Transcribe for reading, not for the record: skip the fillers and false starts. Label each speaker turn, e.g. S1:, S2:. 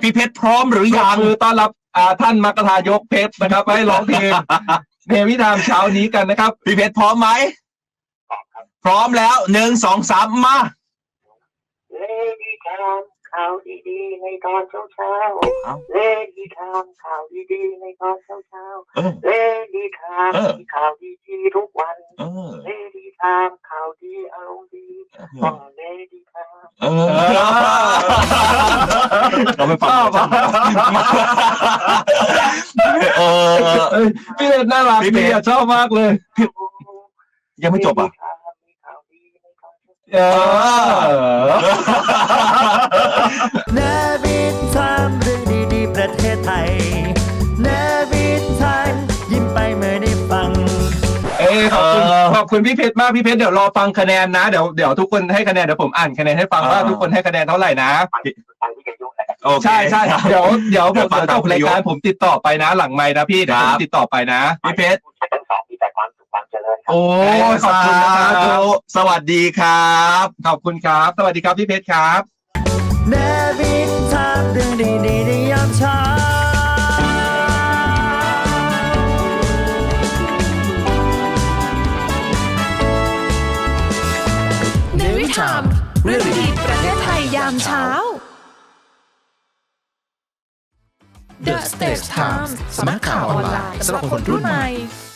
S1: พี่เพชรพร้อมหรือยัง
S2: มือต้อนรับท่านมกทายกเพชรนะครับให้ร้องเพลงเนวิธามเช้านี้กันนะครับ
S1: พี่เพชรพร้อมไหมพร้อมแล้ว1 2 3มา
S3: เลดี้ทามข่าวดีๆในตอนเช้าเลดี้ทามข่าวดีๆในตอนเช้าเลดี้ทามข่าวดีๆทุกวันเลดี้ทามข่าวดีอารมณ์ดีเลดี้ทาม
S1: เราไปฟัง
S2: พี่เพชรน่ารักพี่ชอบมากเลย
S1: ยังไม่จบอ่ะ
S4: เนวิทามเรื่องดีๆประเทศไทยเนวิทามยิ้มไปเมื่อได้ฟัง
S2: ขอบคุณพี่เพชรมากพี่เพชรเดี๋ยวรอฟังคะแนนนะเดี๋ยวทุกคนให้คะแนนเดี๋ยวผมอ่านคะแนนให้ฟังว่าทุกคนให้คะแนนเท่าไหร่นะใช่เดี๋ยวผมจบรายการผมติดต่อไปนะหลังไมค์นะพี่เดี๋ยวผมติดต่อไปนะพี่เพชรโอ้ขอบคุณนะครับ
S1: สวัสดีครับ
S2: ขอบคุณครับสวัสดีครับพี่เพชรครับ
S4: เนวิทามเรื่องดีๆในยามเช้า
S5: เนวิทามเรื่องดีประเทศไทยยามเช้า The Stage Times สำนักข่าวออนไลน์สำหรับคนรุ่นใหม่